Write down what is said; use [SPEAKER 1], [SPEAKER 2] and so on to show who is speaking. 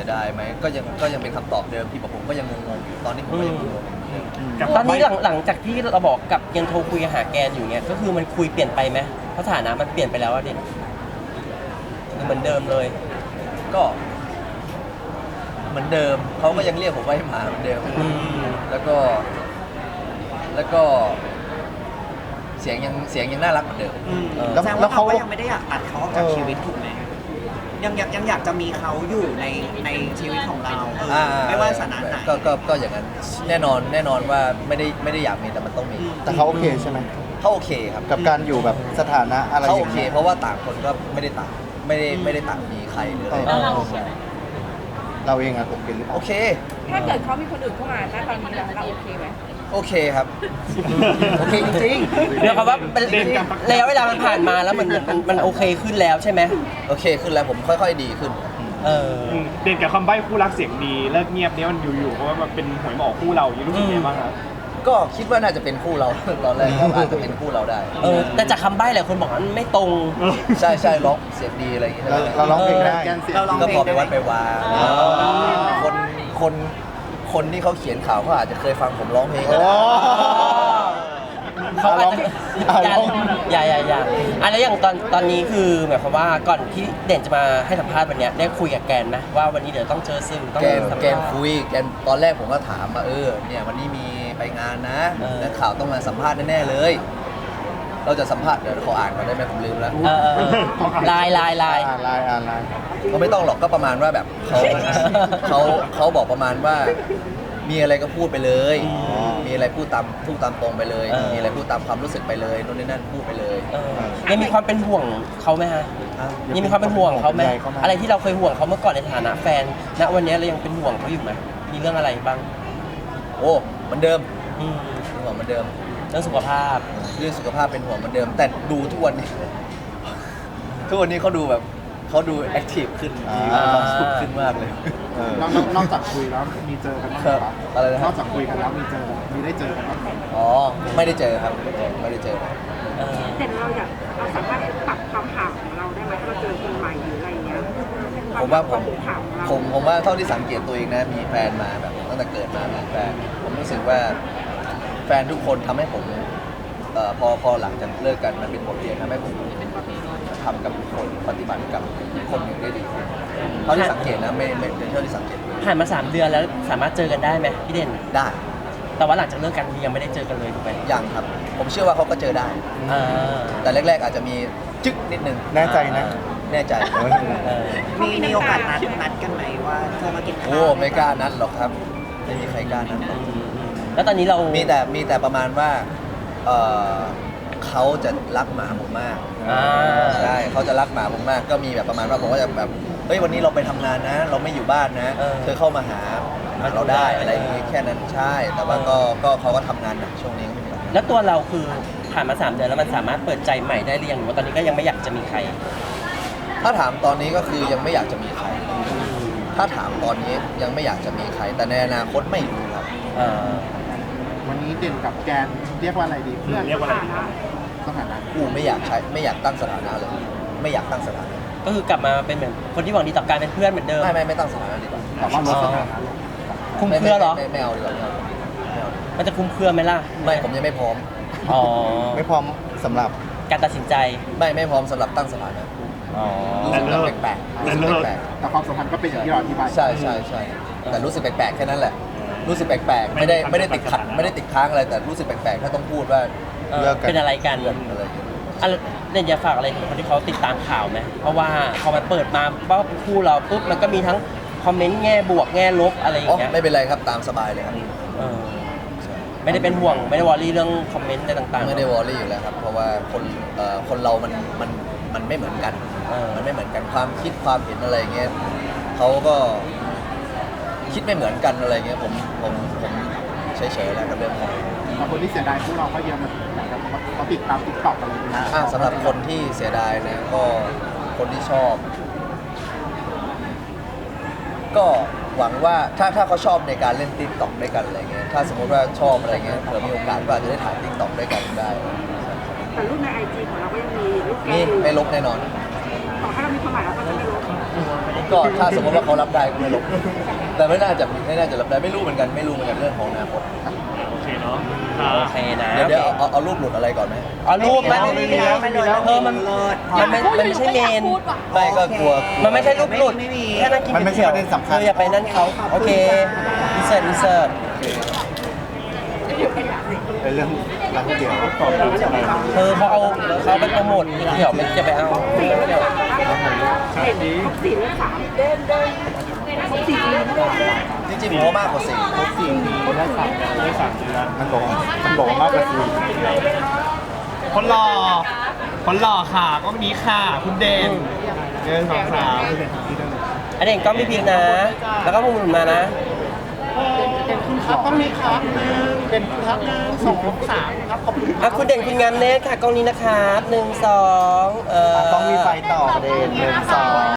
[SPEAKER 1] สียดายไหมก็ยังเป็นคำตอบเดิมที่ผมก็ยังงงๆอยู่ตอนนี้ผมก็ยังงงๆ
[SPEAKER 2] ตอนนี้หลังจากที่เราบอกกับยังโทรคุยหาแกนอยู่เนี่ยก็คือมันคุยเปลี่ยนไปไหมสถานะมันเปลี่ยนไปแล้วอะเด่นเหมือนเดิมเลย
[SPEAKER 1] ก็เหมือนเดิมเขาก็ยังเรียกผมว่าไอ้หมาเหมือนเดิมแล้วก็เสียงยังน่ารักเหมือนเดิม
[SPEAKER 3] แสดงว่าเขาก็ยังไม่ได้อยากตัดเขาออกจากชีวิตถูกไหมยังอยากจะมีเขาอยู่ในชีวิตของเราไม่ว่าสถานะไหน
[SPEAKER 1] ก็อย่างนั้นแน่นอนว่าไม่ได้อยากมีแต่มันต้องมี
[SPEAKER 4] แต่เขาโอเคใช่ไหม
[SPEAKER 1] เขาโอเคครับ
[SPEAKER 4] กับการอยู่แบบสถานะอะไรอ
[SPEAKER 1] เขาโอย่าง เค
[SPEAKER 4] เงี้ย
[SPEAKER 1] เพราะว่าต่างคนก็ไม่ได้ต่างมีใครหรืออะไร
[SPEAKER 4] เราเองอะโอเคหรือเปล่า
[SPEAKER 1] โอเค
[SPEAKER 5] ถ้าเกิดเขามีคนอื่นเข้ามาณตอนนี้เราโอเคไหม
[SPEAKER 1] โอเคครับ โอเคจริง
[SPEAKER 2] เดี๋ยวคำว่าระยะเวลามันผ่านมาแล้วมันโอเคขึ้นแล้วใช่ไหม
[SPEAKER 1] ๆโอเคขึ้นแล้วผมค่อยๆดีขึ้น
[SPEAKER 6] เด่นกับคำใบ้คู่รักเสียงดีเลิกเงียบเนี้ยมันอยู่ๆเพราะว่ามันเป็นหวยหมอคู่เราอยู่รู้สึกยังไงบ้างครับ
[SPEAKER 1] ก็คิดว่าน่าจะเป็นคู่เรา ตอนแรกก็อาจจะเป็นคู่เราได้
[SPEAKER 2] แต่จากคำใบ้หลายคนบอกว่ามันไม่ตรง
[SPEAKER 1] ใช่ร้องเสียงดีอะไรอย่างเงี้ย
[SPEAKER 4] เราร้องเพลงได้
[SPEAKER 1] ก็พอไปวัดไปวาคนที่เขาเขียนข่าวเขาอาจจะเคยฟังผมร้องเพลงก็ได้
[SPEAKER 2] เขาอาจจะอย่าอะไรอย่างตอนนี้คือหมายความว่าก่อนที่เด่นจะมาให้สัมภาษณ์วันนี้ได้คุยกับแกนไหมว่าวันนี้เดี๋ยวต้องเจอสื่อต้องสัม
[SPEAKER 1] แก
[SPEAKER 2] ภาษ
[SPEAKER 1] น
[SPEAKER 2] ณ์
[SPEAKER 1] คุยแกนตอนแรกผมก็ถามว่าเนี่ยวันนี้มีไปงานนะนักข่าวต้องมาสัมภาษณ์แน่ๆเลย เราจะสัมภาษณ์เดี๋ยวเขาอ่านก่อนได้ไหมผมลืมแล้ว
[SPEAKER 2] ลาย
[SPEAKER 1] ก็ไม่ต้องหรอกก็ประมาณว่าแบบเขาบอกประมาณว่ามีอะไรก็พูดไปเลย มีอะไรพูดตามตรงไปเลย มีอะไรพูดตามความรู้สึกไปเลยโน่นนี่นั่นพูดไปเลย
[SPEAKER 2] ยังมีความเป็นห่วงเขาไหมฮะยังมีความเป็นห่วงเขาไหมอะไรที่เราเคยห่วงเขาเมื่อก่อนในฐานะแฟนณวันนี้เรายังเป็นห่วงเขาอยู่ไหมมีเรื่องอะไรบ้าง
[SPEAKER 1] โอ้เหมือนเดิมเป็นห่วงเหมือนเดิม
[SPEAKER 2] เรื่องสุขภาพ
[SPEAKER 1] เรื่องสุขภาพเป็นห่วงเหมือนเดิม แต่ดูทุกวันนี้ ทุกวันนี้เขาดูแบบเขาดูแอคทีฟขึ้นมีความสุขขึ้นมากเลย
[SPEAKER 6] นอกจากคุยแล้วมีเจอกันบ้างไหมครับ
[SPEAKER 1] อะไรนะ
[SPEAKER 6] นอกจากคุยกันแล้วมีได้เจอกันบ้างไหม
[SPEAKER 1] อ๋อไม่ได้เจอครับไม่ได้เจอ
[SPEAKER 5] แต่เราสามารถปรับความห่างของเราได้ไหมถ้าเราเจอคนใหม่หรืออะไรเงี้ย
[SPEAKER 1] ผมว่าผม
[SPEAKER 5] ห่างของเรา
[SPEAKER 1] ผมว่าเท่าที่สังเกตตัวเองนะมีแฟนมาแบบตั้งแต่เกิดมามีแฟนผมรู้สึกว่าแฟนทุกคนทำให้ผมพอหลังจากเลิกกันมันเป็นบทเรียนทำให้ผมทำกับคนปฏิบัติกับคนหนึ่งได้ดีขึ้นเท่าที่สังเกตนะไม่เป็นเท่าที่สังเกต
[SPEAKER 2] ผ่านมา3 เดือนแล้วสามารถเจอกันได้ไหมพี่เด่น
[SPEAKER 1] ได้
[SPEAKER 2] แต่ว่าหลังจากเลิกกันยังไม่ได้เจอกันเลยถูกไหม
[SPEAKER 1] ยังครับ ผมเชื่อว่าเขาก็เจอได้ แต่แรกๆอาจจะมีจึ๊กนิดนึง
[SPEAKER 4] แน่ใจนะ
[SPEAKER 1] แน่ใจ
[SPEAKER 3] มีโอกาสนัดกันไหมว่าจะมากินข้าว
[SPEAKER 1] โอ้ไม่กล้านัดหรอกครับไม่มีใครกล้านัดหรอก
[SPEAKER 2] แล้วตอนนี้เรา
[SPEAKER 1] มีแต่ประมาณว่าเขาจะรักหมาผมมากใช่เขาจะรักหมาผมมากก็มีแบบประมาณว่าผมก็จะแบบเฮ้ยวันนี้เราไปทำงานนะ เราไม่อยู่บ้านนะเธอเข้ามาหาเราได้อะไรอย่างงี้แค่นั้นใช่ แต่ว่าก็เขาก็ทำงานหนักช่วงนี้ก็ไม่มีอะไร
[SPEAKER 2] แล้วตัวเราคือผ่านมา3 เดือนแล้วมันสามารถเปิดใจใหม่ได้หรือยังหรือว่าตอนนี้ก็ยังไม่อยากจะมีใคร
[SPEAKER 1] ถ้าถามตอนนี้ก็คือยังไม่อยากจะมีใคร ถ้าถามตอนนี้ยังไม่อยากจะมีใคร แต่ในอนาคตไม่รู้ครับ
[SPEAKER 6] วันนี้เด่นกับแกนเรียกว่าอะไรดีเพื่อนเรียกว่าอะไรดีสถานะ
[SPEAKER 1] กูไม่อยากใช้ไม่อยากตั้งสถานะเลย ไม่อยากตั้งสถานะ
[SPEAKER 2] ก็คือกลับมาเป็นเหมือนคนที่หวังดีต่อการเป็นเพื่อนเหมือนเดิม
[SPEAKER 1] ไม่ตั้งสถานะดีกว่า
[SPEAKER 6] แต่ว่าลดสถานะลง
[SPEAKER 2] คุ้มเครือเหรอ
[SPEAKER 1] ไม่เอาดีกว่าไม่เอา
[SPEAKER 2] มันจะคุ้มเครือไหมล่ะ
[SPEAKER 1] ไม่ผมยังไม่พร้อม
[SPEAKER 2] อ๋อ
[SPEAKER 4] ไม่พร้อมสำหรับ
[SPEAKER 2] การตัดสินใจ
[SPEAKER 1] ไม่พร้อมสำหรับตั้งสถานะ
[SPEAKER 2] อ๋อ
[SPEAKER 1] รู้สึกแปลกๆรู้สึกแปลก
[SPEAKER 6] แต่ความสัมพันธ์ก็เป็นอย่างที่เราอธิบาย
[SPEAKER 1] ๆใช่แต่รู้สึกแปลกๆแค่นั้นแหละ รู้สึกแปลกๆไม่ได้ติดขัดไม่ได้ติดค้างอะไรแต่รู้สึกแปลกๆถ้าต้องพูดว่า
[SPEAKER 4] เลิกกัน
[SPEAKER 2] เป็นอะไรกัน
[SPEAKER 1] เรื่องอะไรอย่างเงี้ย
[SPEAKER 2] อะไรเนี่ยจะฝากอะไรถึงคนที่เขาติดตามข่าวไหมเพราะว่าพอมันเปิดมาว่าคู่เราปุ๊บมันก็มีทั้งคอมเมนต์แง่บวกแง่ลบอะไรอย่า
[SPEAKER 1] อ๋อง
[SPEAKER 2] เงี้ย
[SPEAKER 1] ไม่เป็นไรครับตามสบายเลยครับ
[SPEAKER 2] ไม่ได้เป็นห่วงไม่ได้วอรี่เรื่องคอมเมนต์อะไรต่างๆ
[SPEAKER 1] ไม่ได้วอรี่อยู่แล้วครับ เพราะว่าคนเรามันไม่เหมือนกัน มันไม่เหมือนกันความคิดความเห็นอะไรเงี้ยเขาก็คิดไม่เหมือนกันอะไรเงี้ยผมเฉยๆแล้วกับเรื่องนี้
[SPEAKER 6] แต่คนที่เสียดายพวกเราก็เยอะเหมือนกันนะครับเขาติดตามติ๊กต็อกอะไรอย่างเงี้ย
[SPEAKER 1] สำหรับคนที่เสียดายนะก็คนที่ชอบ ก็หวังว่าถ้าเขาชอบในการเล่นติ๊กต็อกด้วยกันอะไรเงี้ยถ้าสมมติว่าชอบอะไรเงี้ยเผื่อมีโอกาสก็อาจจะได้ถ่ายติ๊กต็อกด้วยกันได้
[SPEAKER 5] แต่รูปในไอจีของเราก็ยังมีรูปแก
[SPEAKER 1] นี่
[SPEAKER 5] อยู่
[SPEAKER 1] ไม่ลบแน่นอน
[SPEAKER 5] ต่อให้เรามีความหมายเราก็จะไม่ลบ
[SPEAKER 1] ก็ถ้าสมมติว่าเขารับได้ก็ไม่ลบแต่ไม่น่าจะรับได้ไม่รู้เหมือนกันเรื่องของอนาคต
[SPEAKER 6] โอเคเนาะ
[SPEAKER 2] โอเคนะ
[SPEAKER 1] เดี๋ยวเอารูปหลุดอะไรก่อนไหม
[SPEAKER 2] เอารูปไหม
[SPEAKER 3] ไม่มีแล้วไม่มีแล้ว
[SPEAKER 2] มันไม่ใช่เมน
[SPEAKER 1] ไม่ก็กลัว
[SPEAKER 2] มันไม่ใช่รูปหลุด
[SPEAKER 3] ไม่มี
[SPEAKER 2] แค่นั่งกิน
[SPEAKER 4] มันไม่ใช่
[SPEAKER 2] ก๋วย
[SPEAKER 4] ประเด็นสำคัญ
[SPEAKER 2] อย่าไปนั่นเขาโอเคอินเสิร์ต
[SPEAKER 4] เป็นเรื่องร้านก๋วยเตี๋ยว
[SPEAKER 2] เขาไปโปรโมทเดี๋ยวมันจะไปเอา
[SPEAKER 5] เห็นครบ4 เรื่อง 3เดินครบ4 เรื่องด้วย
[SPEAKER 1] จริงๆผมว่ามากกว่า4
[SPEAKER 6] ได้3 เดือน
[SPEAKER 4] มันบอกว่ามากกว่าสี่
[SPEAKER 6] คนหล่อค่ะก็มีค่ะคุณเด่นเดิน2 3
[SPEAKER 2] อันนี้ก็มีพิมพ์นะ แล้วก็มุมหนุนมานะ
[SPEAKER 6] ครับต้องมีครับเป็นครับ1 2 3ครับขอบคุณ
[SPEAKER 2] อ่ะคุณเด่นคุณงามเนตค่ะกล้องนี้นะครับ1 2
[SPEAKER 4] ต้องมีไฟต่อประเด็น1 2